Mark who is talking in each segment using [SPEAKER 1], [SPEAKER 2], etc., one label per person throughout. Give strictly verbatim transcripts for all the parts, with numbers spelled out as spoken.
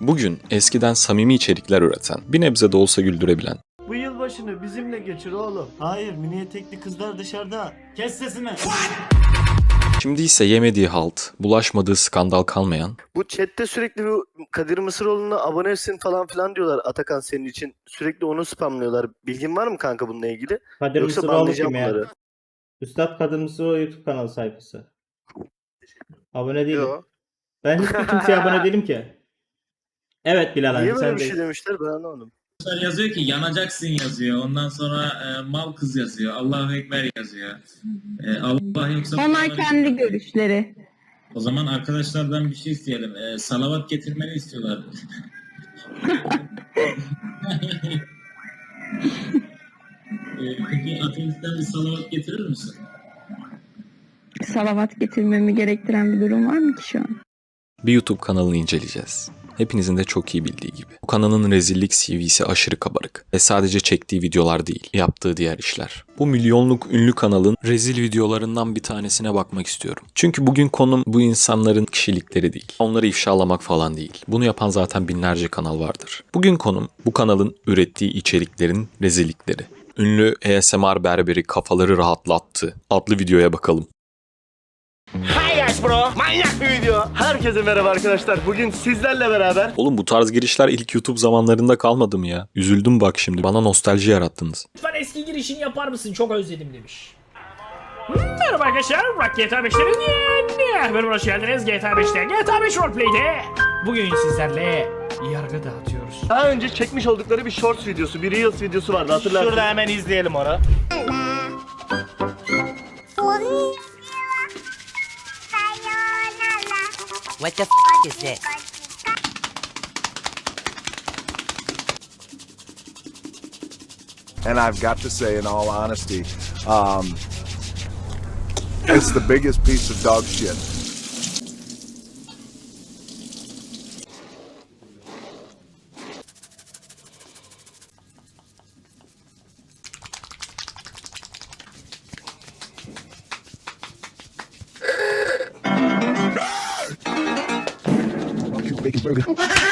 [SPEAKER 1] Bugün eskiden samimi içerikler üreten, bir nebze de olsa güldürebilen,
[SPEAKER 2] Bu yılbaşını bizimle geçir oğlum. Hayır, mini etekli kızlar dışarıda. Kes sesini.
[SPEAKER 1] şimdi ise yemediği halt, bulaşmadığı skandal kalmayan,
[SPEAKER 3] Bu chatte sürekli bu Kadir Mısıroğlu'na abonesin falan filan diyorlar Atakan senin için. Sürekli onu spamlıyorlar. Bilgin var mı kanka bununla ilgili?
[SPEAKER 4] Kadir
[SPEAKER 3] Yoksa
[SPEAKER 4] Mısıroğlu
[SPEAKER 3] banlayacağım
[SPEAKER 4] kim ya?
[SPEAKER 3] bunları.
[SPEAKER 4] Üstad Kadir Mısıroğlu YouTube kanalı sayfası. Abone değilim.
[SPEAKER 3] Yo.
[SPEAKER 4] Ben hiçbir kimseye abone değilim ki. Evet Bilal abi
[SPEAKER 3] Niye
[SPEAKER 4] sen
[SPEAKER 3] böyle bir
[SPEAKER 4] de.
[SPEAKER 3] şey demişler ben anlamadım.
[SPEAKER 5] Yazıyor ki yanacaksın yazıyor. Ondan sonra e, mal kız yazıyor. Allahu Ekber yazıyor. E, Allah yoksa...
[SPEAKER 6] Onlar kendi görüşleri.
[SPEAKER 5] O zaman arkadaşlardan bir şey isteyelim. E, salavat getirmeni istiyorlar. e, peki ateistten bir salavat getirir misin?
[SPEAKER 6] Salavat getirmemi gerektiren bir durum var mı ki şu an?
[SPEAKER 1] bir YouTube kanalını inceleyeceğiz. Hepinizin de çok iyi bildiği gibi. Bu kanalın rezillik C V'si aşırı kabarık. Ve sadece çektiği videolar değil, yaptığı diğer işler. Bu milyonluk ünlü kanalın rezil videolarından bir tanesine bakmak istiyorum. Çünkü bugün konum bu insanların kişilikleri değil. Onları ifşalamak falan değil. Bunu yapan zaten binlerce kanal vardır. Bugün konum bu kanalın ürettiği içeriklerin rezillikleri. Ünlü A S M R berberi kafaları rahatlattı adlı videoya bakalım.
[SPEAKER 2] Hi guys bro. Manyak bir video. Herkese merhaba arkadaşlar. Bugün sizlerle beraber
[SPEAKER 1] Oğlum bu tarz girişler ilk YouTube zamanlarında kalmadı mı ya? Üzüldüm bak şimdi. Bana nostalji yarattınız.
[SPEAKER 7] Lütfen eski girişini yapar mısın? Çok özledim demiş. Hmm, merhaba arkadaşlar. Rock G T A beşlerin yeni bölümüne hoş geldiniz. G T A beşte. G T A beş Roleplay'de. Bugün sizlerle yargı dağıtıyoruz.
[SPEAKER 2] daha önce çekmiş oldukları bir shorts videosu, bir reels videosu vardı hatırlarsınız. Şurada hemen izleyelim onu.
[SPEAKER 8] What the f is this?
[SPEAKER 9] And I've got to say, in all honesty, um, it's the biggest piece of dog shit. Big burger.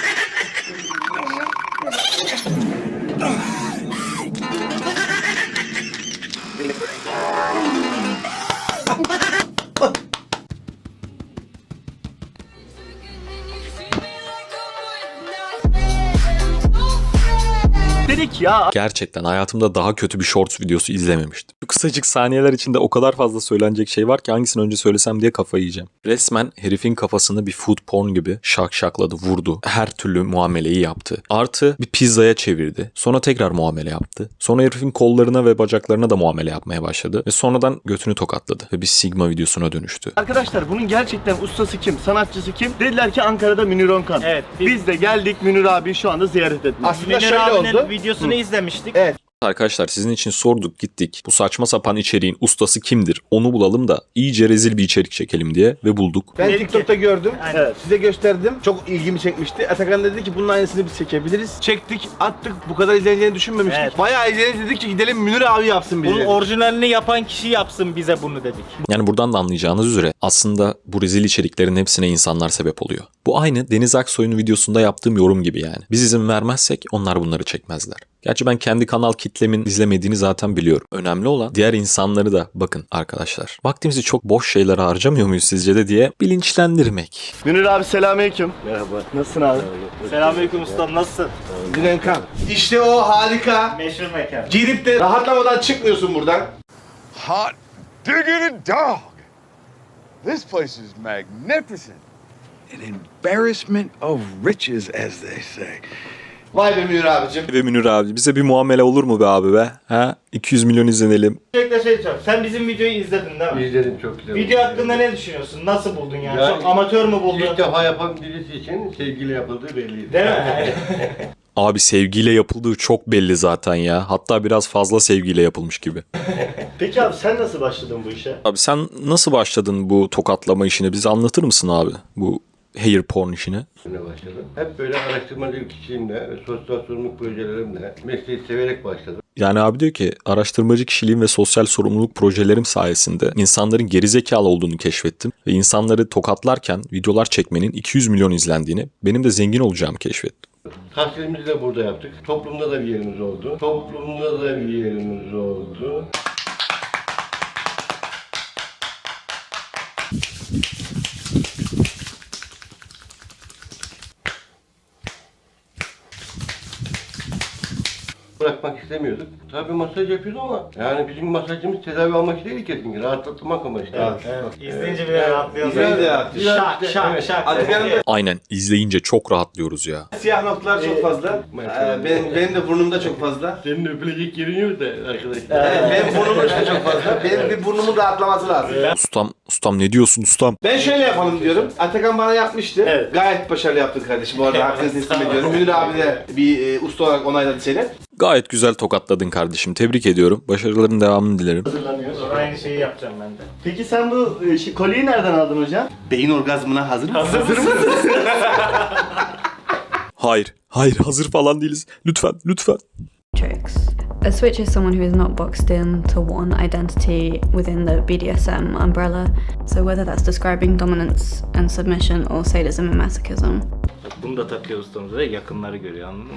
[SPEAKER 2] Dedik ya.
[SPEAKER 1] Gerçekten hayatımda daha kötü bir shorts videosu izlememiştim. Bu kısacık saniyeler içinde o kadar fazla söylenecek şey var ki hangisini önce söylesem diye kafayı yiyeceğim. Resmen herifin kafasını bir food porn gibi şak şakladı, vurdu. Her türlü muameleyi yaptı. Artı bir pizzaya çevirdi. Sonra tekrar muamele yaptı. Sonra herifin kollarına ve bacaklarına da muamele yapmaya başladı. Ve sonradan götünü tokatladı. Ve bir Sigma videosuna dönüştü.
[SPEAKER 2] Arkadaşlar bunun gerçekten ustası kim, sanatçısı kim? Dediler ki Ankara'da Münir Onkan.
[SPEAKER 4] Evet.
[SPEAKER 2] Biz de geldik Münir abi şu anda ziyaret etmeye.
[SPEAKER 4] Aslında şöyle oldu. Videosunu izlemiştik.
[SPEAKER 2] Evet.
[SPEAKER 1] Arkadaşlar sizin için sorduk gittik. Bu saçma sapan içeriğin ustası kimdir? Onu bulalım da iyice rezil bir içerik çekelim diye ve bulduk.
[SPEAKER 10] Ben
[SPEAKER 2] Dedik
[SPEAKER 10] TikTok'ta gördüm.
[SPEAKER 2] Evet.
[SPEAKER 10] Size gösterdim. Çok ilgimi çekmişti. Atakan dedi ki bunun aynısını biz çekebiliriz. Çektik, attık. Bu kadar izleneceğini düşünmemiştik.
[SPEAKER 4] Evet.
[SPEAKER 10] Bayağı izleneceğini dedik ki gidelim Münir abi yapsın bizi.
[SPEAKER 4] Bunun orijinalini yapan kişi yapsın bize bunu dedik.
[SPEAKER 1] Yani buradan da anlayacağınız üzere aslında bu rezil içeriklerin hepsine insanlar sebep oluyor. Bu aynı Deniz Aksoy'un videosunda yaptığım yorum gibi yani. Biz izin vermezsek onlar bunları çekmezler. Gerçi ben kendi kanal kitlemin izlemediğini zaten biliyorum. Önemli olan diğer insanları da bakın arkadaşlar. Vaktimizi çok boş şeylere harcamıyor muyuz sizce de diye bilinçlendirmek.
[SPEAKER 2] Münir abi selamünaleyküm. Merhaba. Nasılsın abi?
[SPEAKER 4] Selamünaleyküm ustam nasılsın?
[SPEAKER 10] Direnkan. İşte o harika.
[SPEAKER 4] Meşhur mekan.
[SPEAKER 10] Girip de rahatlamadan çıkmıyorsun buradan.
[SPEAKER 9] Hot diggity dog. This place is magnificent. An embarrassment of riches, as they say.
[SPEAKER 10] Vay be Münir abicim.
[SPEAKER 1] Ve Münir abi bize bir muamele olur mu be abi be? Ha? iki yüz milyon izlenelim.
[SPEAKER 4] Sürekli şey diyeceğim. Sen bizim videoyu izledin değil mi?
[SPEAKER 10] İzledim çok güzel.
[SPEAKER 4] Video hakkında ne düşünüyorsun? Nasıl buldun yani?
[SPEAKER 10] Ya,
[SPEAKER 4] Çok amatör mü buldun?
[SPEAKER 10] İlk defa yapan birisi için sevgiyle yapıldığı belliydi.
[SPEAKER 4] Değil mi?
[SPEAKER 1] Abi sevgiyle yapıldığı çok belli zaten ya. Hatta biraz fazla sevgiyle yapılmış gibi.
[SPEAKER 2] Peki abi sen nasıl başladın bu işe?
[SPEAKER 1] Abi sen nasıl başladın bu tokatlama işini? Bize anlatır mısın abi? Bu hair porn işini.
[SPEAKER 10] Başladım. Hep böyle araştırmacı kişiliğimle, sosyal sorumluluk projelerimle mesleği severek başladım.
[SPEAKER 1] Yani abi diyor ki araştırmacı kişiliğim ve sosyal sorumluluk projelerim sayesinde insanların gerizekalı olduğunu keşfettim ve insanları tokatlarken videolar çekmenin iki yüz milyon izlendiğini, benim de zengin olacağımı keşfettim.
[SPEAKER 2] Tahsilimizi de burada yaptık. Toplumda da bir yerimiz oldu. Toplumda da bir yerimiz oldu. Bırakmak istemiyorduk. Tabii masaj yapıyoruz ama yani bizim masajımız tedavi almak değil kesinlikle. Rahatlatmak amaçlı.
[SPEAKER 4] Evet, evet. İzleyince bile rahatlıyoruz.
[SPEAKER 10] İzleyince de rahatlıyor.
[SPEAKER 4] Şak şak şak.
[SPEAKER 10] Atakan'ın da
[SPEAKER 1] Aynen, izleyince çok rahatlıyoruz ya.
[SPEAKER 10] siyah noktalar çok fazla. Ee, benim, benim de burnumda çok fazla.
[SPEAKER 2] Senin öpülecek yerin yok da arkadaşlar.
[SPEAKER 10] Evet, benim burnumun işte çok fazla. Benim bir burnumun rahatlaması lazım.
[SPEAKER 1] Ustam, ustam ne diyorsun ustam?
[SPEAKER 10] Ben şöyle yapalım diyorum. Atakan bana yapmıştı.
[SPEAKER 4] Evet.
[SPEAKER 10] Gayet başarılı yaptın kardeşim. Bu arada hakkını teslim ediyorum. Münir abi de bir e, usta olarak onayladı seni.
[SPEAKER 1] Gayet güzel tokatladın kardeşim. Tebrik ediyorum. Başarıların devamını dilerim.
[SPEAKER 2] Hazırlanıyoruz.
[SPEAKER 4] Aynı şeyi yapacağım ben de.
[SPEAKER 2] Peki sen bu e, şey, kolyeyi nereden aldın hocam?
[SPEAKER 10] Beyin orgazmına hazır mısın? Hazır mısın?
[SPEAKER 1] Hayır, hayır hazır falan değiliz. Lütfen, lütfen.
[SPEAKER 6] Tricks. A switch is someone who is not boxed into one identity within the B D S M umbrella. So whether that's describing dominance and submission or sadism and masochism.
[SPEAKER 4] Bunu da takıyor ustamız ve yakınları görüyor, anladın mı?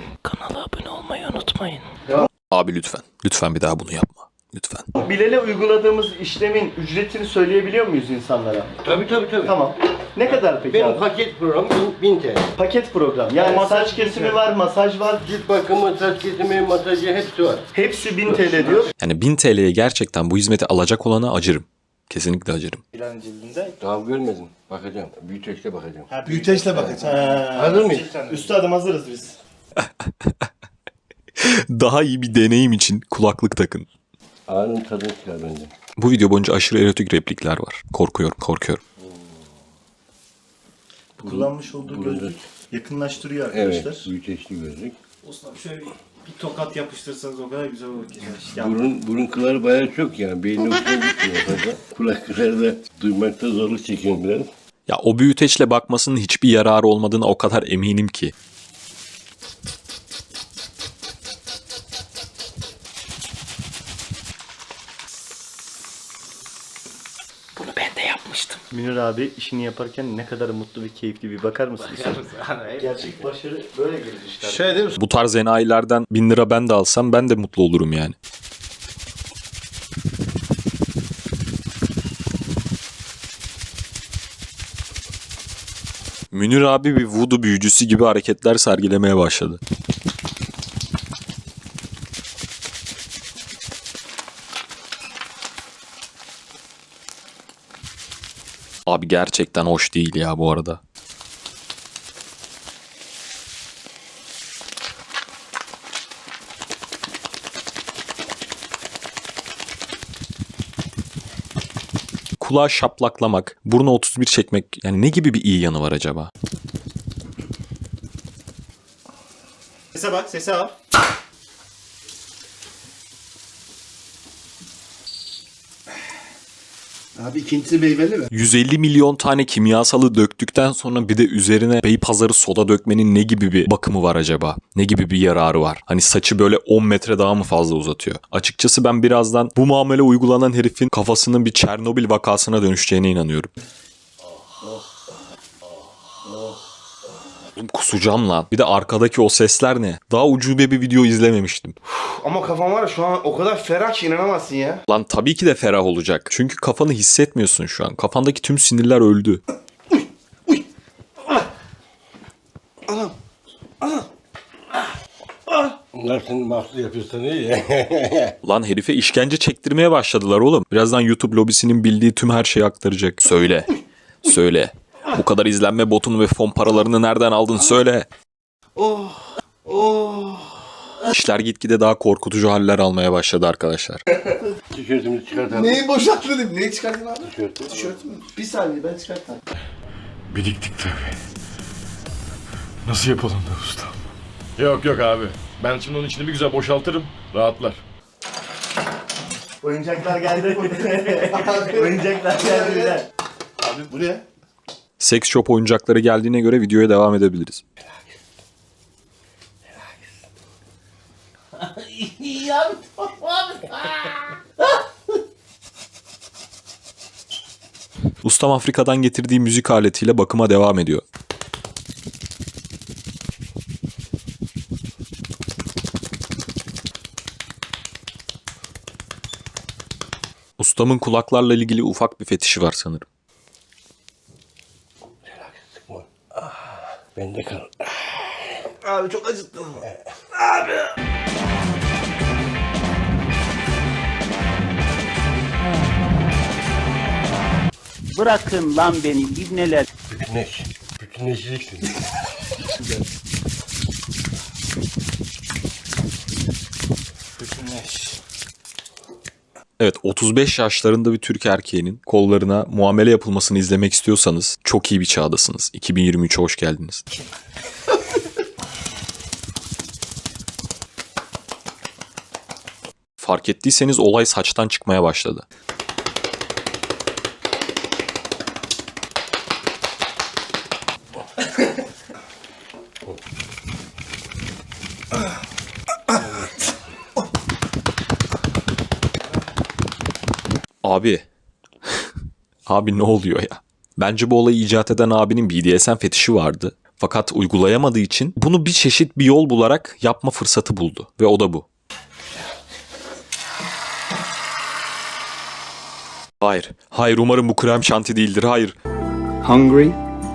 [SPEAKER 1] Abi lütfen, lütfen bir daha bunu yapma. Lütfen.
[SPEAKER 2] Bilal'e uyguladığımız işlemin ücretini söyleyebiliyor muyuz insanlara? Tabii tabii tabii. Tamam. Ne kadar peki
[SPEAKER 11] Benim
[SPEAKER 2] abi?
[SPEAKER 11] paket program bin T L.
[SPEAKER 2] Paket program. Yani masaj kesimi var, masaj var.
[SPEAKER 11] Cilt bakımı, saç kesimi, masajı hepsi var.
[SPEAKER 2] Hepsi bin T L diyor.
[SPEAKER 1] Yani bin T L'ye gerçekten bu hizmeti alacak olana acırım. Kesinlikle acırım.
[SPEAKER 4] Bilen cildinde.
[SPEAKER 11] Daha görmedim. Bakacağım. Büyüteçle bakacağım.
[SPEAKER 10] Büyüteçle bakacağım.
[SPEAKER 11] Hazır mıyız?
[SPEAKER 2] Üstadım hazırız biz.
[SPEAKER 1] Daha iyi bir deneyim için kulaklık takın.
[SPEAKER 11] Ağrının tadını çıkar bence.
[SPEAKER 1] Bu video boyunca aşırı erotik replikler var. Korkuyorum, korkuyorum.
[SPEAKER 2] Kullanmış olduğu gözlük yakınlaştırıyor
[SPEAKER 11] Evet.
[SPEAKER 2] arkadaşlar.
[SPEAKER 11] Büyüteçli gözlük.
[SPEAKER 4] Ustam şöyle bir, bir tokat yapıştırsanız o kadar güzel olur ki.
[SPEAKER 11] Burun, burun kılları bayağı çok yani. Beynin hoşuna gitmiyor fazla. Kulak kılları da duymakta zorluk çekiyorum biraz.
[SPEAKER 1] Ya o büyüteçle bakmasının hiçbir yararı olmadığına o kadar eminim ki.
[SPEAKER 2] Münir abi işini yaparken ne kadar mutlu ve keyifli bir bakar mısınız? Gerçek başarı böyle gelir işte.
[SPEAKER 10] Şöyle değil mi?
[SPEAKER 1] Bu tarz enayilerden bin lira ben de alsam ben de mutlu olurum yani. Münir abi bir voodoo büyücüsü gibi hareketler sergilemeye başladı. Abi gerçekten hoş değil ya bu arada. Kulağı şaplaklamak, burnu otuz bir çekmek, yani ne gibi bir iyi yanı var acaba?
[SPEAKER 4] Sese bak, sese al.
[SPEAKER 10] Abi ikincisi meyveli mi?
[SPEAKER 1] yüz elli milyon tane kimyasalı döktükten sonra bir de üzerine Beypazarı soda dökmenin ne gibi bir bakımı var acaba? Ne gibi bir yararı var? Hani saçı böyle on metre daha mı fazla uzatıyor? Açıkçası ben birazdan bu muamele uygulanan herifin kafasının bir Çernobil vakasına dönüşeceğine inanıyorum. Oğlum kusacağım lan. Bir de arkadaki o sesler ne? Daha ucube bir video izlememiştim.
[SPEAKER 10] Ama kafam var ya şu an o kadar ferah ki inanamazsın ya.
[SPEAKER 1] Lan tabii ki de ferah olacak. Çünkü kafanı hissetmiyorsun şu an. Kafandaki tüm sinirler öldü.
[SPEAKER 11] Bunlar senin mahsus yapıyorsan iyi ya.
[SPEAKER 1] Lan herife işkence çektirmeye başladılar oğlum. Birazdan YouTube lobisinin bildiği tüm her şeyi aktaracak. Söyle. Söyle. Bu kadar izlenme botunu ve fon paralarını nereden aldın söyle.
[SPEAKER 10] Oh. Oh.
[SPEAKER 1] İşler gitgide daha korkutucu haller almaya başladı arkadaşlar.
[SPEAKER 11] Tişörtümüzü çıkartalım.
[SPEAKER 10] Neyi boşalttın? Neyi çıkarttın abi?
[SPEAKER 11] Tişörtü.
[SPEAKER 10] Tişört mü? Bir saniye ben çıkartayım.
[SPEAKER 9] Biriktik tabii. Nasıl yapalım da ustam? Yok yok abi. Ben şimdi onun içini bir güzel boşaltırım. Rahatlar.
[SPEAKER 2] Oyuncaklar geldi. Oyuncaklar geldi Bilal.
[SPEAKER 10] Abi bu ne?
[SPEAKER 1] Sex shop oyuncakları geldiğine göre videoya devam edebiliriz.
[SPEAKER 10] Ya abi.
[SPEAKER 1] Ustam Afrika'dan getirdiği müzik aletiyle bakıma devam ediyor. Ustamın kulaklarla ilgili ufak bir fetişi var sanırım.
[SPEAKER 11] Bende kal.
[SPEAKER 10] Abi çok acıttın.
[SPEAKER 12] Bırakın lan beni ibneler.
[SPEAKER 11] Bütünleş. Bütünleşeceksin.
[SPEAKER 1] Evet, otuz beş yaşlarında bir Türk erkeğinin kollarına muamele yapılmasını izlemek istiyorsanız çok iyi bir çağdasınız. iki bin yirmi üçe hoş geldiniz. Fark ettiyseniz olay saçtan çıkmaya başladı. Abi. Abi ne oluyor ya? Bence bu olayı icat eden abinin B D S M fetişi vardı. Fakat uygulayamadığı için bunu bir çeşit bir yol bularak yapma fırsatı buldu. Ve o da bu. Hayır. Hayır, umarım bu krem şanti değildir. Hayır.
[SPEAKER 9] Hungry?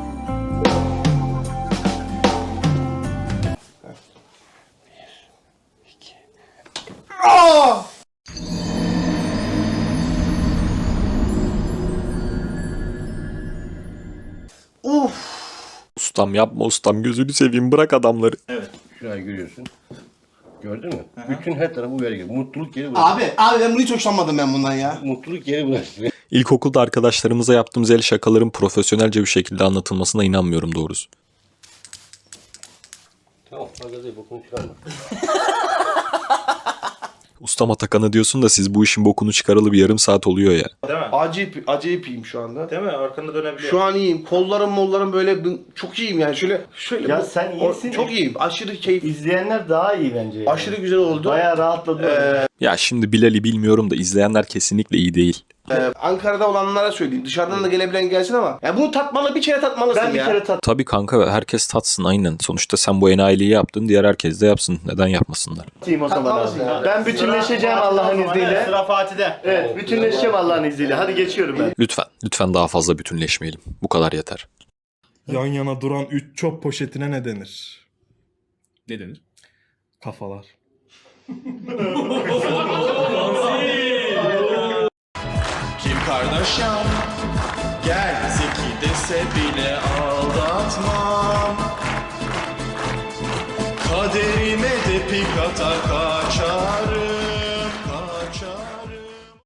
[SPEAKER 1] Ustam yapma ustam, gözünü seveyim, bırak adamları.
[SPEAKER 11] Evet. Şurayı görüyorsun. Gördün mü? Bütün her tarafı uyarı gibi. Mutluluk geri bırak.
[SPEAKER 10] Abi, abi ben bunu hiç hoşlanmadım ben bundan ya.
[SPEAKER 11] Mutluluk geri bırak.
[SPEAKER 1] İlkokulda arkadaşlarımıza yaptığımız el şakaların profesyonelce bir şekilde anlatılmasına inanmıyorum doğrusu.
[SPEAKER 11] Tamam. Magazayı bokunu çıkarma.
[SPEAKER 1] Ustam Atakan'a diyorsun da siz bu işin bokunu çıkaralı bir yarım saat oluyor ya.
[SPEAKER 4] Değil mi?
[SPEAKER 10] Acayip, acayip iyiyim şu anda.
[SPEAKER 4] Değil mi? Arkanı dönebiliyor.
[SPEAKER 10] Şu an iyiyim. Kollarım mollarım böyle çok iyiyim yani. Şöyle şöyle.
[SPEAKER 2] Ya
[SPEAKER 10] bu-
[SPEAKER 2] sen
[SPEAKER 10] o-
[SPEAKER 2] iyisin.
[SPEAKER 10] Çok iyiyim. Aşırı keyif.
[SPEAKER 2] İzleyenler daha iyi bence. Yani.
[SPEAKER 10] Aşırı güzel oldu.
[SPEAKER 2] Bayağı rahatladı.
[SPEAKER 10] Ee,
[SPEAKER 1] Ya şimdi Bilal'i bilmiyorum da izleyenler kesinlikle iyi değil.
[SPEAKER 10] Ee, Ankara'da olanlara söyleyeyim. Dışarıdan da gelebilen gelsin ama. Ya bunu tatmalı bir kere tatmalısın
[SPEAKER 2] Ben bir
[SPEAKER 10] ya.
[SPEAKER 2] kere tat.
[SPEAKER 1] Tabii kanka, herkes tatsın aynen. Sonuçta sen bu enayiliği yaptın, diğer herkes de yapsın. Neden yapmasınlar?
[SPEAKER 2] Tatayım o zaman
[SPEAKER 10] Tatmalısın
[SPEAKER 2] abi.
[SPEAKER 10] ya.
[SPEAKER 2] Ben bütünleşeceğim Allah'ın izniyle.
[SPEAKER 4] Sıra Fatih'de.
[SPEAKER 2] Evet, bütünleşeceğim Allah'ın izniyle. Hadi geçiyorum ben.
[SPEAKER 1] Lütfen, lütfen daha fazla bütünleşmeyelim. Bu kadar yeter.
[SPEAKER 13] Yan yana duran üç çöp poşetine ne denir?
[SPEAKER 4] Ne denir?
[SPEAKER 13] Kafalar.
[SPEAKER 9] Kim Kardashian? Gel zeki dese bile aldatmam. Kaderime de pik atar kaçar.